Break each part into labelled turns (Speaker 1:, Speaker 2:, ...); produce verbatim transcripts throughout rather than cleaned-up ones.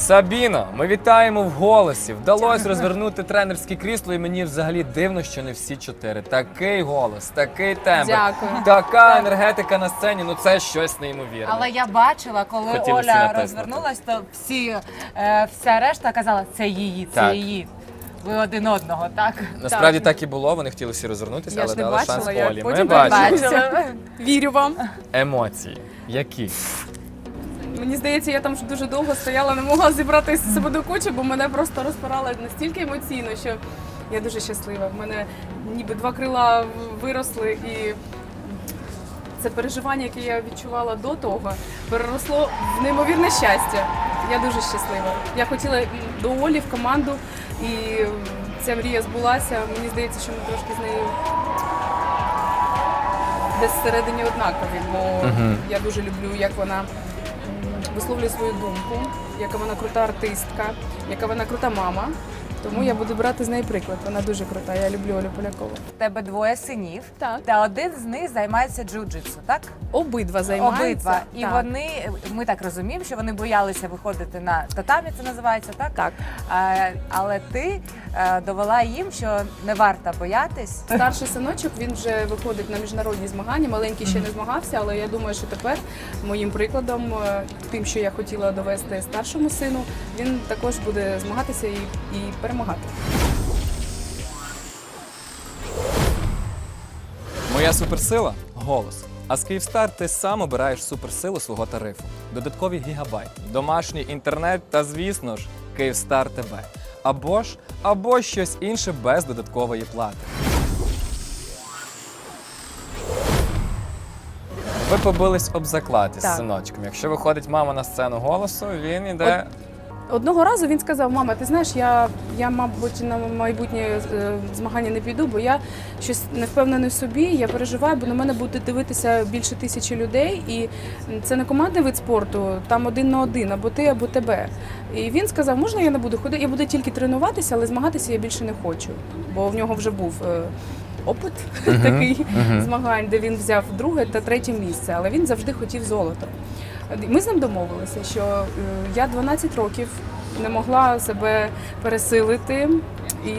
Speaker 1: Сабіно, ми вітаємо в голосі. Вдалося розвернути тренерське крісло, і мені взагалі дивно, що не всі чотири. Такий голос, такий тембр,
Speaker 2: Дякую.
Speaker 1: така енергетика на сцені, ну це щось неймовірне.
Speaker 3: Але я бачила, коли
Speaker 1: Хотілося
Speaker 3: Оля
Speaker 1: натиснути.
Speaker 3: розвернулась, то всі, е, вся решта казала, це її, це
Speaker 1: Так.
Speaker 3: її. Ви один одного, так?
Speaker 1: Насправді так і було, вони хотіли всі розвернутися,
Speaker 2: Я
Speaker 1: але
Speaker 2: ж не
Speaker 1: дали
Speaker 2: бачила,
Speaker 1: шанс
Speaker 2: я
Speaker 1: Олі. Ми
Speaker 2: потім
Speaker 1: бачимо.
Speaker 2: бачила. Вірю вам.
Speaker 1: Емоції. Які?
Speaker 2: Мені здається, я там дуже довго стояла, не могла зібрати себе до кучі, бо мене просто розпирало настільки емоційно, що я дуже щаслива. В мене ніби два крила виросли, і це переживання, яке я відчувала до того, переросло в неймовірне щастя. Я дуже щаслива. Я хотіла до Олі в команду, і ця мрія збулася. Мені здається, що ми трошки з нею десь всередині однакові, бо
Speaker 1: Мгм.
Speaker 2: я дуже люблю, як вона м, висловлює свою думку, яка вона крута артистка, яка вона крута мама. Тому я буду брати з неї приклад. Вона дуже крута. Я люблю Олю Полякову.
Speaker 3: В тебе двоє синів,
Speaker 2: Так.
Speaker 3: та один з них займається джиу-джитсу, так?
Speaker 2: Обидва займаються.
Speaker 3: Обидва. І
Speaker 2: Так.
Speaker 3: вони, ми так розуміємо, що вони боялися виходити на татамі, це називається, так?
Speaker 2: Так.
Speaker 3: А, але ти е, довела їм, що не варто боятись.
Speaker 2: Старший синочок, він вже виходить на міжнародні змагання. Маленький ще не змагався, але я думаю, що тепер моїм прикладом, е, тим, що я хотіла довести старшому сину, він також буде змагатися і, і перемагати.
Speaker 1: Моя суперсила – голос. А з Київстар ти сам обираєш суперсилу свого тарифу. Додаткові гігабайти, домашній інтернет та, звісно ж, Київстар ТВ. Або ж, або щось інше без додаткової плати. Ви побились об заклад із
Speaker 2: Так.
Speaker 1: синочком. Якщо виходить мама на сцену голосу, він іде...
Speaker 2: Одного разу він сказав: мама, ти знаєш, я, я мабуть, на майбутнє е, змагання не піду, бо я щось не впевнений в собі, я переживаю, бо на мене буде дивитися більше тисячі людей, і це не командний вид спорту, там один на один, або ти, або тебе. І він сказав, можна я не буду ходити, я буду тільки тренуватися, але змагатися я більше не хочу, бо в нього вже був е, опит такий змагань, де він взяв друге та третє місце, але він завжди хотів золото. Ми з ним домовилися, що е, я дванадцять років не могла себе пересилити і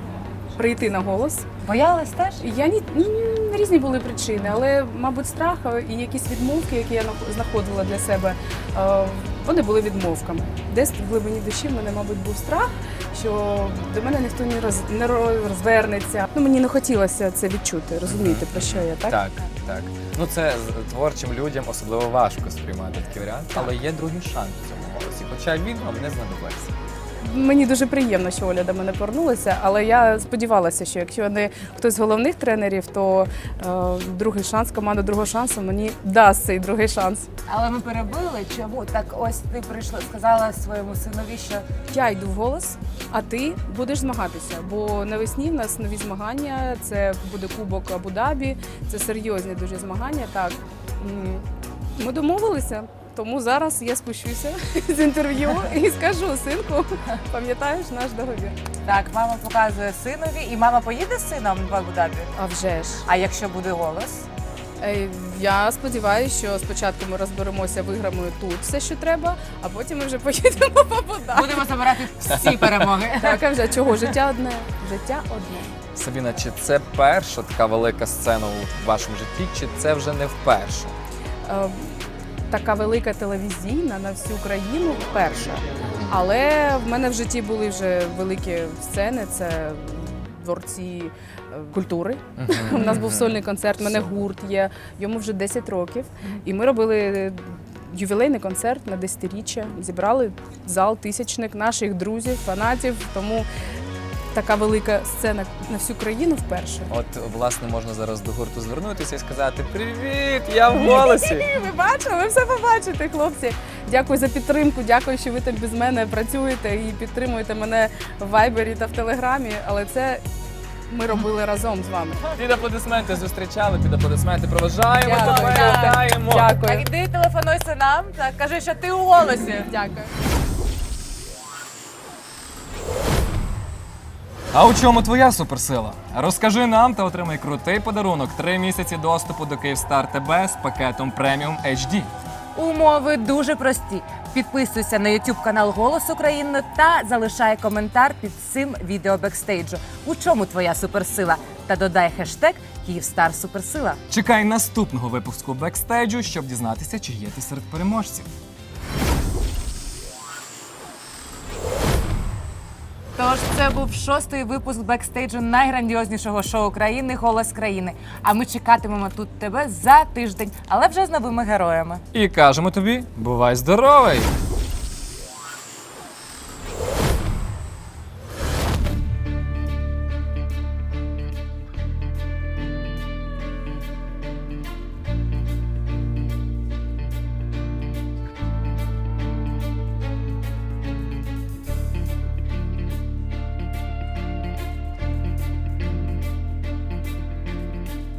Speaker 2: прийти на голос.
Speaker 3: Боялась теж?
Speaker 2: І Я ні, м, різні були причини, але, мабуть, страх і якісь відмовки, які я нах- знаходила для себе, е, вони були відмовками. Десь в глибині душі в мене, мабуть, був страх, що до мене ніхто не, роз, не розвернеться. Ну, мені не хотілося це відчути, розумієте, про що я, так?
Speaker 1: Так, так. Ну це з- творчим людям особливо важко сприймати такий варіант, але є другий шанс в цьому голосі, хоча він вам не знадобиться.
Speaker 2: Мені дуже приємно, що Оля до мене повернулася, але я сподівалася, що якщо не хтось з головних тренерів, то е, другий шанс, команда другого шансу мені дасть цей другий шанс.
Speaker 3: Але ми перебили, чому? Так ось ти прийшла, сказала своєму синові, що
Speaker 2: Я йду в голос, а ти будеш змагатися, бо навесні в нас нові змагання, це буде Кубок Абу-Дабі, це серйозні дуже змагання. Так, м, ми домовилися. Тому зараз я спущуся з інтерв'ю і скажу: синку, пам'ятаєш наш договір?
Speaker 3: так, мама показує синові, і мама поїде з сином в Абу-Дабі?
Speaker 2: А вже ж.
Speaker 3: А якщо буде голос?
Speaker 2: Е, Я сподіваюся, що спочатку ми розберемося, виграємо тут все, що треба, а потім ми вже поїдемо в Абу-Дабі.
Speaker 3: Будемо забирати всі перемоги.
Speaker 2: Так, а вже чого? Життя одне. Життя одне.
Speaker 1: Сабіна, чи це перша така велика сцена у вашому житті, чи це вже не вперше?
Speaker 2: Е, Така велика телевізійна на всю країну перша. Але в мене в житті були вже великі сцени, це дворці е, культури. У нас був сольний концерт, у мене гурт є, йому вже десять років. І ми робили ювілейний концерт на десятиріччя. Зібрали зал тисячник наших друзів, фанатів. Тому така велика сцена на всю країну вперше.
Speaker 1: От, власне, можна зараз до гурту звернутися і сказати: «Привіт, я в голосі!»
Speaker 2: Ви бачили, ви все побачите, хлопці. Дякую за підтримку, дякую, що ви так без мене працюєте і підтримуєте мене в Вайбері та в Телеграмі, але це ми робили разом з вами.
Speaker 1: Під аплодисменти зустрічали, під аплодисменти проважаємо,
Speaker 2: Дякую.
Speaker 1: тебе вітаємо!
Speaker 3: Так,
Speaker 2: Дякую.
Speaker 3: іди телефонуй синам, так, кажи, що ти у голосі.
Speaker 2: Дякую.
Speaker 1: А у чому твоя суперсила? Розкажи нам та отримай крутий подарунок – три місяці доступу до Київстар ТБ з пакетом преміум ейч ді.
Speaker 3: Умови дуже прості. Підписуйся на YouTube канал Голос України та залишай коментар під цим відео бекстейджу. У чому твоя суперсила? Та додай хештег Київстар Суперсила.
Speaker 1: Чекай наступного випуску бекстейджу, щоб дізнатися, чи є ти серед переможців.
Speaker 3: Тож це був шостий випуск бекстейджу найграндіознішого шоу країни «Голос країни». А ми чекатимемо тут тебе за тиждень, але вже з новими героями.
Speaker 1: І кажемо тобі, бувай здоровий!